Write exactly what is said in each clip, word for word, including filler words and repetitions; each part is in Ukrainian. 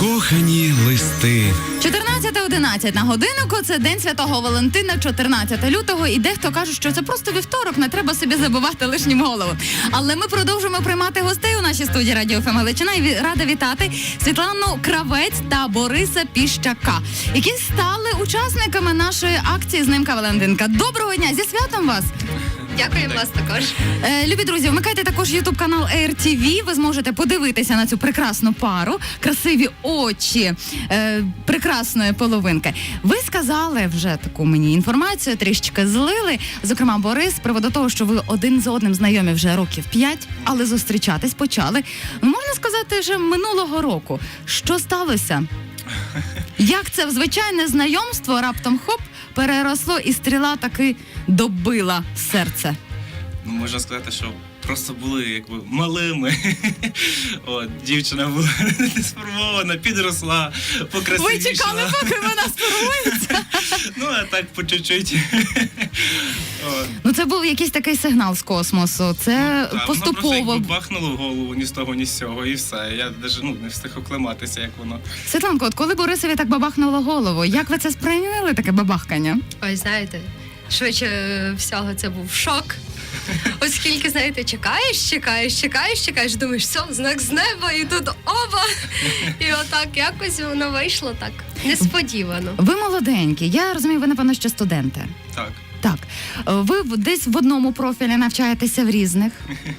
Закохані листи. чотирнадцята одинадцять на годиннику, це День Святого Валентина, чотирнадцяте лютого, і дехто каже, що це просто вівторок, не треба собі забивати лишнім голову. Але ми продовжуємо приймати гостей у нашій студії Радіо еф ем Галичина, і рада вітати Світлану Кравець та Бориса Піщака, які стали учасниками нашої акції «Знимка Валентинка». Доброго дня, зі святом вас! Дякуємо вас також. Е, любі друзі, вмикайте також ютуб-канал ей ар ті ві, ви зможете подивитися на цю прекрасну пару, красиві очі е, прекрасної половинки. Ви сказали вже таку мені інформацію, трішечки злили, зокрема Борис, з приводу того, що ви один з одним знайомі вже років п'ять, але зустрічатись почали, ну, можна сказати, вже минулого року. Що сталося? Як це в звичайне знайомство раптом хоп, переросло і стріла таки добила серце? Ну, можна сказати, що просто були якби малими. От, дівчина була не сформована, підросла, покрасивішала. Ви чекали, поки вона сформується? Ну, а так по чуть-чуть. Ну, це був якийсь такий сигнал з космосу. Це Так, поступово. воно просто якби бахнуло в голову ні з того, ні з цього, і все. Я навіть ну, не встиг оклематися, як воно. Світланко, от коли Борисові так бабахнуло голову, як ви це сприйняли, таке бабахкання? Ой, знаєте, швидше всього це був шок. Оскільки, знаєте, чекаєш, чекаєш, чекаєш, чекаєш, думаєш, все, знак з неба, і тут оба. І отак якось воно вийшло так несподівано. Ви молоденькі, я розумію, ви, напевно, ще студенти. Так. Так. Ви десь в одному профілі навчаєтеся, в різних?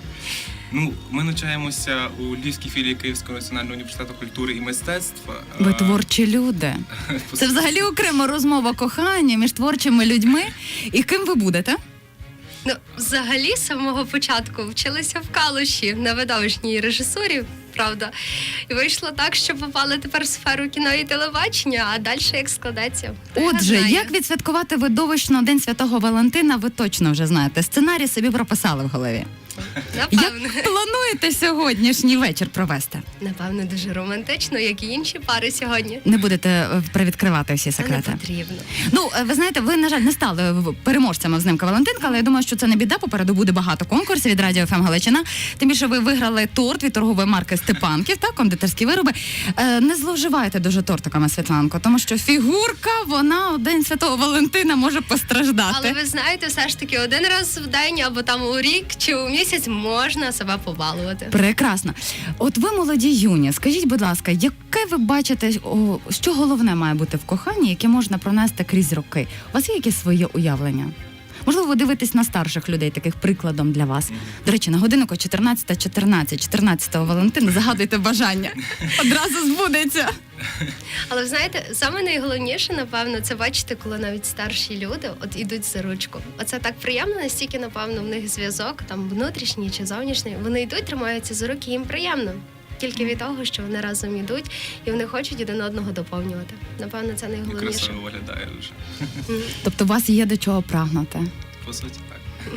Ну, ми навчаємося у Львівській філії Київського національного університету культури і мистецтва. Ви творчі люди. Це взагалі окрема розмова кохання між творчими людьми. І ким ви будете? Ну, взагалі, з самого початку вчилися в Калуші на видовищній режисурі, правда. І вийшло так, що попали тепер в сферу кіно і телебачення, а далі як складеться. Отже, як відсвяткувати видовищно День Святого Валентина, ви точно вже знаєте. Сценарій собі прописали в голові. Напевно. Як плануєте сьогоднішній вечір провести? Напевно, дуже романтично, як і інші пари сьогодні. Не будете е, привідкривати всі Це не секрети? потрібно. Ну, е, ви знаєте, ви, на жаль, не стали в- переможцями в «Знимка Валентинка», але я думаю, що це не біда. Попереду буде багато конкурсів від Радіо еф ем Галичина. Тим більше ви виграли торт від торгової марки «Степанків», так, кондитерські вироби. Е, не зловживайте дуже тортиками, Світланко, тому що фігурка, вона у День Святого Валентина може постраждати. Але ви знаєте, все ж таки один раз в день або там у рік чи у місяць можна себе побалувати. Прекрасно. От ви молоді юні, скажіть, будь ласка, яке ви бачите, о, що головне має бути в коханні, яке можна пронести крізь роки? У вас є якесь своє уявлення? Можливо, ви дивитесь на старших людей, таких прикладом для вас. До речі, на годиннику чотирнадцята чотирнадцять, чотирнадцятого Валентина, загадуйте бажання. Одразу збудеться. Але ви знаєте, саме найголовніше, напевно, це бачити, коли навіть старші люди от ідуть за ручку. Оце так приємно, настільки, напевно, в них зв'язок, там внутрішній чи зовнішній. Вони йдуть, тримаються за руки, їм приємно. Тільки від того, що вони разом йдуть, і вони хочуть один одного доповнювати. Напевно, це найголовніше. Красиво виглядає дуже. Тобто у вас є до чого прагнути? По суті, так.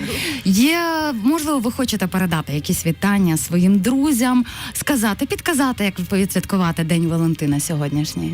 Є, можливо, ви хочете передати якісь вітання своїм друзям, сказати, підказати, як ви відсвяткувати День Валентина сьогоднішній?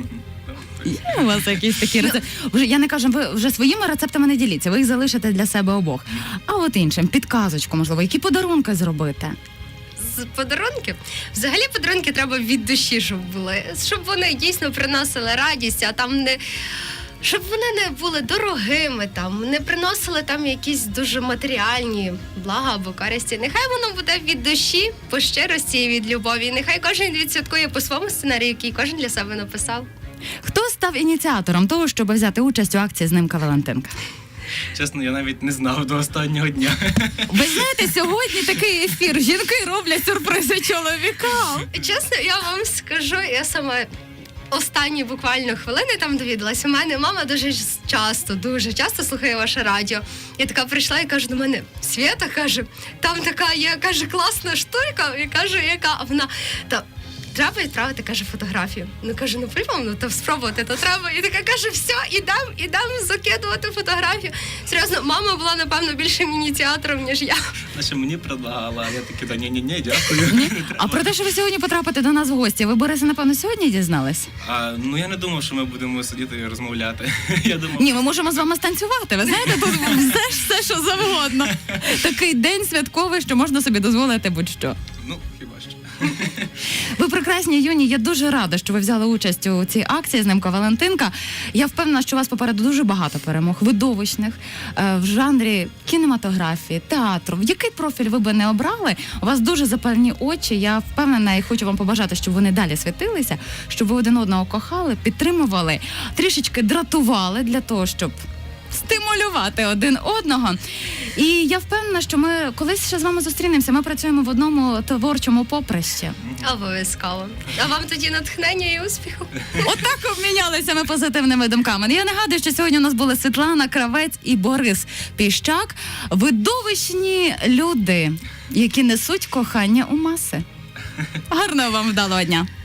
Є у вас якісь такі рецепти? Вже я не кажу, ви вже своїми рецептами не діліться, ви їх залишите для себе обох. А от іншим, підказочку, можливо, які подарунки зробити? З подарунків. Взагалі подарунки треба від душі, щоб були. Щоб вони дійсно приносили радість, а там не... Щоб вони не були дорогими, там, не приносили там якісь дуже матеріальні блага або користі. Нехай воно буде від душі, по щирості і від любові. І нехай кожен відсвяткує по своєму сценарію, який кожен для себе написав. Хто став ініціатором того, щоб взяти участь у акції «Знимка Валентинка»? Чесно, я навіть не знав до останнього дня. Ви знаєте, сьогодні такий ефір. Жінки роблять сюрпризи чоловікам. Чесно, я вам скажу, я сама останні буквально хвилини там довідалась. У мене мама дуже часто, дуже часто слухає ваше радіо. Я така прийшла і кажу до мене: Свята, каже, там така є, каже, класна штука. І кажу, яка? А вона, та треба відправити, каже, фотографію. Ну, каже, ну по-любому, ну то спробувати, то треба. І така каже, все, ідем, ідем закидувати фотографію. Серйозно, мама була, напевно, більшим ініціатором, ніж я. Наче мені предлагала, а я таки, да ні-ні-ні, дякую. Ні? А про те, що ви сьогодні потрапите до нас в гості, ви, Борисе, напевно, сьогодні дізнались? А, ну я не думав, що ми будемо сидіти і розмовляти. Я думав, Ні, ми можемо з вами станцювати. Ви знаєте, тут все, ж- все, що завгодно. Такий день святковий, що можна собі дозволити будь-що. ну хіба що. Ви прекрасні, юні. Я дуже рада, що ви взяли участь у цій акції «Знимка Валентинка». Я впевнена, що у вас попереду дуже багато перемог, видовищних, е, в жанрі кінематографії, театру. Який профіль ви би не обрали, у вас дуже запальні очі. Я впевнена і хочу вам побажати, щоб вони далі світилися, щоб ви один одного кохали, підтримували, трішечки дратували для того, щоб стимулювати один одного. І я впевнена, що ми колись ще з вами зустрінемося. Ми працюємо в одному творчому поприщі. Обов'язково. А вам тоді натхнення і успіху. Отак обмінялися ми позитивними думками. Я нагадую, що сьогодні у нас були Світлана Кравець і Борис Піщак. Видовищні люди, які несуть кохання у маси. Гарного вам вдалого дня!